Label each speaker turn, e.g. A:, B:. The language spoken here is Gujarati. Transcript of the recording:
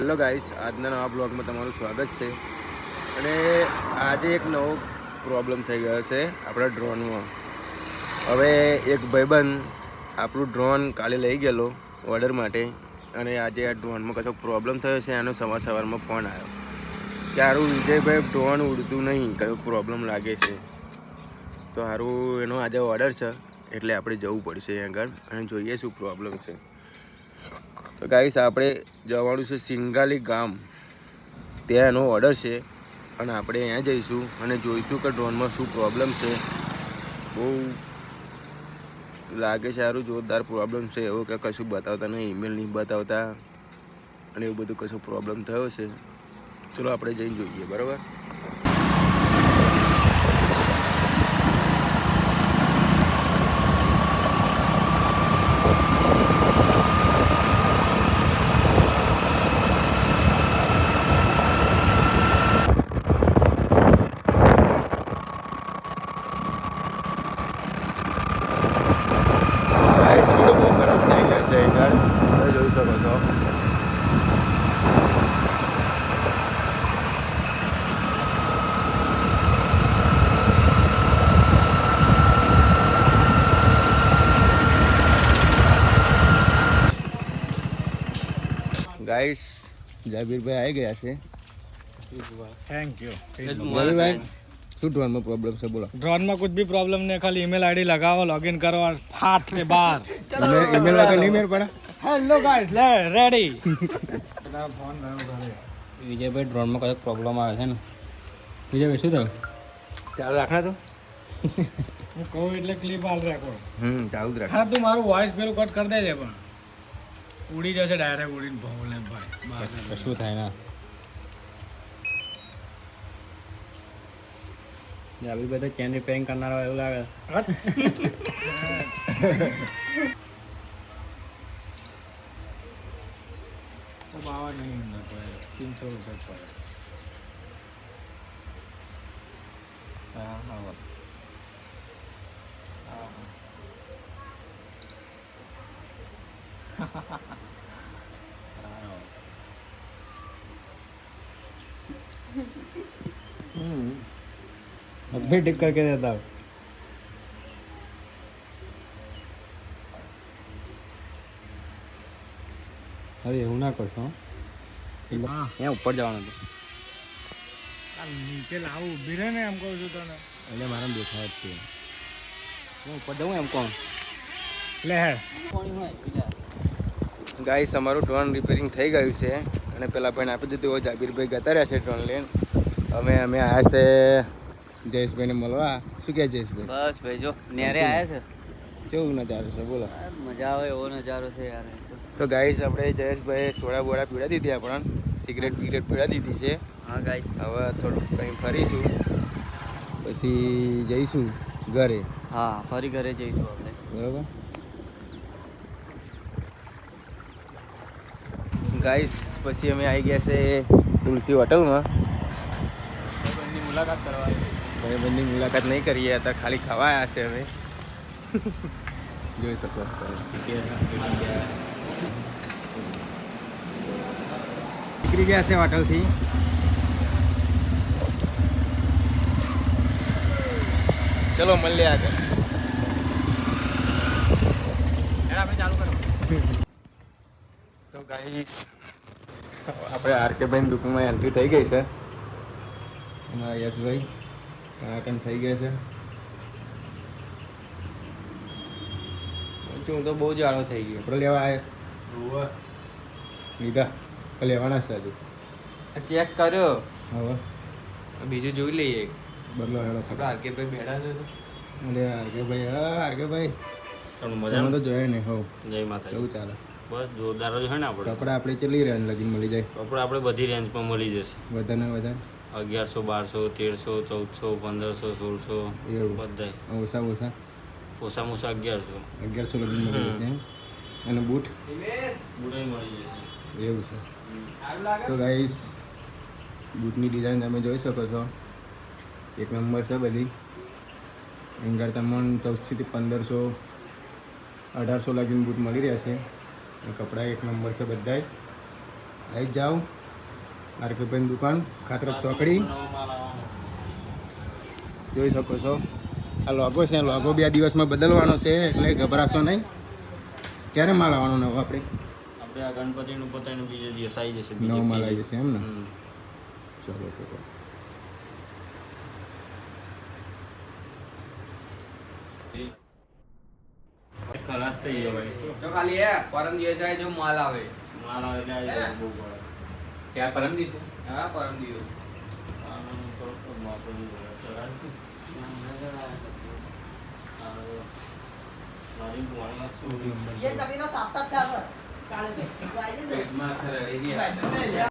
A: હેલો ગાઈસ, આજના નવા બ્લોગમાં તમારું સ્વાગત છે. અને આજે એક નવો પ્રોબ્લેમ થઈ ગયો છે આપણા ડ્રોનમાં. હવે એક ભાઈબંધ આપણું ડ્રોન કાલે લઈ ગયેલો ઓર્ડર માટે, અને આજે આ ડ્રોનમાં કશો પ્રોબ્લેમ થયો છે. એનો સવારમાં ફોન આવ્યો કે સારું વિજયભાઈ, ડ્રોન ઉડતું નહીં, કયો પ્રોબ્લેમ લાગે છે. તો સારું એનો આજે ઓર્ડર છે, એટલે આપણે જવું પડશે આગળ અને જોઈએ શું પ્રોબ્લેમ છે. તો ગાઈસ, આપણે જવાનું છે સિંગાલી ગામ, ત્યાં એનો ઓર્ડર છે અને આપણે અહીંયા જઈશું અને જોઈશું કે ડ્રોનમાં શું પ્રોબ્લેમ છે. બહુ લાગે છે સારું જોરદાર પ્રોબ્લેમ છે, એવો કે કશું બતાવતા નહીં, ઈમેલ નહીં બતાવતા અને એવું બધું કશું પ્રોબ્લેમ થયો છે. ચલો આપણે જઈને જોઈએ, બરાબર. ગાઈસ, જાબીરભાઈ આવી ગયા છે.
B: Thank you.
A: જાબીરભાઈ, શું ડ્રોનમાં પ્રોબ્લેમ છે બોલો?
B: ड्रोन में कुछ भी प्रॉब्लम नहीं, खाली ईमेल आईडी लगाओ, लॉगिन करो और फाट के बाहर.
A: ईमेल वगैरह नहीं मेरे पड़ा.
B: हेलो गाइस, ले रेडी.
C: વિજયભાઈ ડ્રોનમાં કદાચ પ્રોબ્લેમ આવે છે ને? વિજયભાઈ શું થયું?
A: ચાલુ રાખના તો.
B: હું કહું એટલે ક્લિપ હાલ રાખો.
A: ચાલુ જ રાખ.
B: હા, તું મારું વોઇસ પેલું કટ કરી દેજે, પણ ઉડી જશે ડાયરેક્ટ, ઉડીને ભોલે ભાઈ.
C: શું થાય ના? જાબીરભાઈ તો ચેન રિપેરિંગ કરનારો એવું લાગે.
B: બાવા નહીં, 300 રૂપિયા પડે.
C: હા હા. अभी ठीक करके देता हूँ. अरे એવું ના કરશો. અહીંયા ઉપર જવાનું હતું.
B: નીચે લાવું, ઊભી રહે ને, એમ કહું છું તને.
C: એટલે મારે દેખાય જ છે. હું ઉપર જવું એમ કોણ?
B: લે હે.
A: ગાઈસ, અમારું ડ્રોન રિપેરિંગ થઈ ગયું છે અને પેલા ભાઈને આપી દીધું હોય. જાબીરભાઈ જતા રહ્યા છે ડ્રોન લઈને. અમે આવ્યા છે જયેશભાઈને મળવા. શું કહે જયેશભાઈ?
D: બસ ભાઈ, જો નેરે આવ્યા છે.
A: કેવું નજારો છે બોલો?
D: મજા આવે એવો નજારો છે યાર.
A: તો ગાઈસ, આપણે જયેશભાઈ સોડા બોડા પીડા દીધી, આપણને સિગરેટ બિગરેટ પીડા દીધી છે.
D: હા ગાઈસ,
A: હવે થોડુંક કંઈ ફરીશું, પછી જઈશું ઘરે.
D: હા ફરી ઘરે જઈશું આપણે.
A: બરાબર ગાઈસ, પછી અમે આવી ગયા છે તુલસી હોટલમાં.
C: ભાઈબંધની મુલાકાત કરવા.
A: ભાઈબંધની મુલાકાત નહીં કરીએ, અત્યારે ખાલી ખાવા આવ્યા છે અમે. જોઈ શકો નીકળી ગયા છે હોટલથી. ચલો મળીએ આગળ.
C: આપણે ચાલુ કરો.
A: તો ગાઈસ, આપણે આરકેભાઈની દુકાનમાં એન્ટ્રી થઈ ગઈ છે. અમારા યશભાઈ કાકણ થઈ ગયા છે.
C: હું તો બહુ જાડો થઈ ગયો.
A: આપણે લેવા આવ્યા લીધા લેવાના છે હજુ.
C: ચેક કર્યો,
A: હવે
C: બીજું જોઈ લઈએ.
A: બદલો હેડો.
C: આપણે આરકેભાઈ બેઠા છે તો.
A: અરે આરકેભાઈ, હા આરકેભાઈ, તમે તો જોયા નહીં. હો
E: જય માતા.
A: કેવું ચાલે?
E: બસ જોરદાર જ હોય ને આપણે.
A: કપડા આપણે કેટલી રેન્જ લગીને મળી જાય?
E: કપડા આપણે બધી રેન્જમાં મળી જશે.
A: વધારે વધારે
E: 1100, 1200, 1300, 1400, 1600
A: એવું
E: બધાય.
A: ઓછા ઓછા
E: ઓછામાં ઓછા 1100.
A: 1100 લગીને મળી જશે એમ. અને બૂટ
E: બુડાઈ મળી જશે.
A: એવું છે. તો ગાઈસ, બૂટની ડિઝાઇન તમે જોઈ શકો છો, એક નંબર છે બધી. એંગર તમને 1400 થી 1500, 1800 લગીને બૂટ મળી રહેશે. કપડાં એક નંબર છે બધાય. આવી જ જાઓ માર્કેટભાઈની દુકાન ખાતરક ચોકડી જોઈ શકો છો. આ લોગો છે, લોગો 2 દિવસમાં બદલવાનો છે એટલે ગભરાશો નહીં. ક્યારે માલ આવવાનો નવો આપણે?
E: આપણે આ ગણપતિનું પોતાનું બીજો દિવસ આવી જશે.
A: નવો માલ આવી જશે એમ ને?
E: હમ.
A: ચલો ચલો.
E: ખલાસ થઈ જવાય
C: તો ખાલી પરમ દિવસે જો માલ આવે.
E: માલ આવે એટલે આવી જાય બહુ પડે.
C: ક્યાં પરમ દિવસે? હા પરમ દિવસ.
E: આનું થોડુંક માપનું ચલાવીશું. મારી ભણવા શું
C: પેટમાં સર રેડી